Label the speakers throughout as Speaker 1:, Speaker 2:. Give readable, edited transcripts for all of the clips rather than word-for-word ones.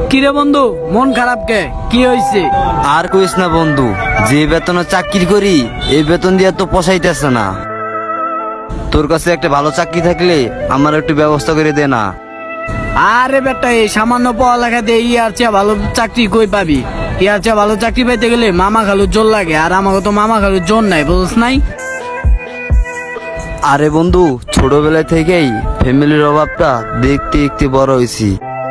Speaker 1: কিরে বন্ধু, মন খারাপ কে? কি হয়েছে?
Speaker 2: আর কইস না বন্ধু, যে বেতনে চাকরি করি এই বেতন দিয়ে তো পোষাইতেছে না। তোর কাছে একটা ভালো চাকরি থাকলে আমার একটু ব্যবস্থা করে দে না।
Speaker 1: আরে বেটা, এই সামান্য পড়ালেখা দিয়ে ইয়ার চেয়ে ভালো চাকরি কই পাবি? ইয়ার চেয়ে ভালো চাকরি পাইতে গেলে মামা খালুর জোর লাগে, আর আমাকে তো মামা খালুর জোর নাই, বুঝছ নাই?
Speaker 2: আরে বন্ধু, ছোটবেলা থেকেই ফ্যামিলির অভাবটা দেখতে দেখতে বড় হয়েছি।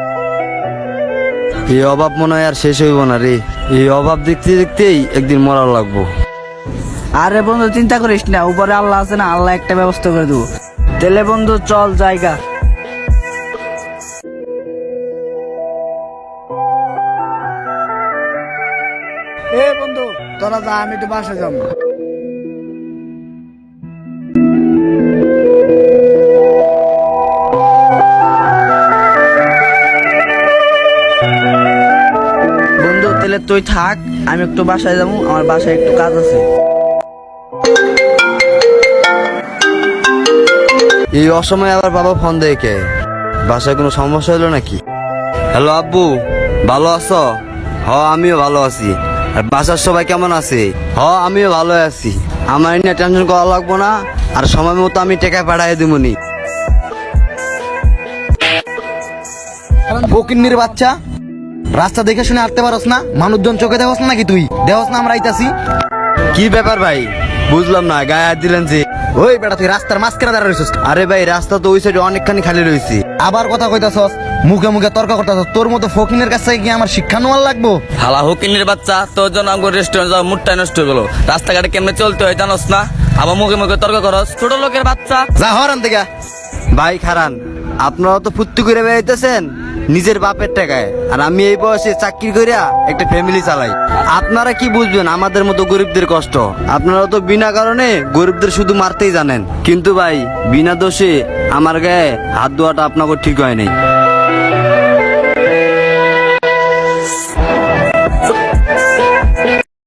Speaker 2: এই অভাব মনে হয় আর শেষ হইব না রে। এই অভাব দেখতে দেখতেই একদিন মরা লাগবো।
Speaker 3: আরে বন্ধু চিন্তা করিস না, উপরে আল্লাহ আছে না, আল্লাহ একটা ব্যবস্থা করে দেবো। তেলে বন্ধু চল জায়গা।
Speaker 1: এ বন্ধু, তোরা যা, আমি তো বাসা যাবো।
Speaker 3: বন্ধু তেলে তুই থাক, আমি একটু বাসায় যাবো, আমার বাসায় একটু কাজ আছে।
Speaker 2: এই অসময়ে আবার বাবা ফোন দেয় কে? বাসায় কোনো সমস্যা হলো নাকি? হ্যালো আব্বু, ভালো আছো? আমিও ভালো আছি। আর বাসার সবাই কেমন আছে? আমিও ভালো আছি। আমার নিয়ে টেনশন করা লাগবো না, আর সময় মতো আমি টাকা পাঠাই দিবনি।
Speaker 4: ফকিন্নির বাচ্চা, রাস্তা দেখে শুনে হাঁটতে পারস না? মানুষজন চোখে দেখস না নাকি? তুই দেখস না আমরা আইতাছি?
Speaker 2: কি ব্যাপার ভাই, বুঝলাম না, গায়ে হাত দিলেন যে?
Speaker 4: ওই বেটা, তুই রাস্তার মাঝখানে দাঁড়া রইছিস।
Speaker 2: আরে ভাই, রাস্তা তো ওই সাইডে অনেকখানি খালি রয়েছে।
Speaker 4: আবার কথা কইতাছস, মুখে মুখে তর্ক করতাছস। তোর মতো ফকিনের কাছে কি আমার শিক্ষা নেওয়ার লাগবো?
Speaker 5: হালা হুকিনের বাচ্চা, তোর জন্য আমার রেস্টুরেন্ট যাওয়া মুডটাই নষ্ট হয়ে গেল। রাস্তাঘাটে কেমনে চলতে হয় জানোস না? আবার মুখে মুখে তর্ক করস, ছোট লোকের বাচ্চা।
Speaker 4: যা হরান থেকে।
Speaker 2: ভাই খারান, আপনারা তো ফুর্তি করে বেড়াইতেছেন নিজের বাপের টাকায়, আর আমি এই বয়সে চাকরি করিয়া একটা ফ্যামিলি চালাই। আপনারা কি বুঝবেন আমাদের মতো গরিবদের কষ্ট? আপনারা তো বিনা কারণে গরিবদের শুধু মারতেই জানেন। কিন্তু ভাই, বিনা দোষে আমার গায়ে হাত দেওয়াটা আপনাকে ঠিক হয় নাই।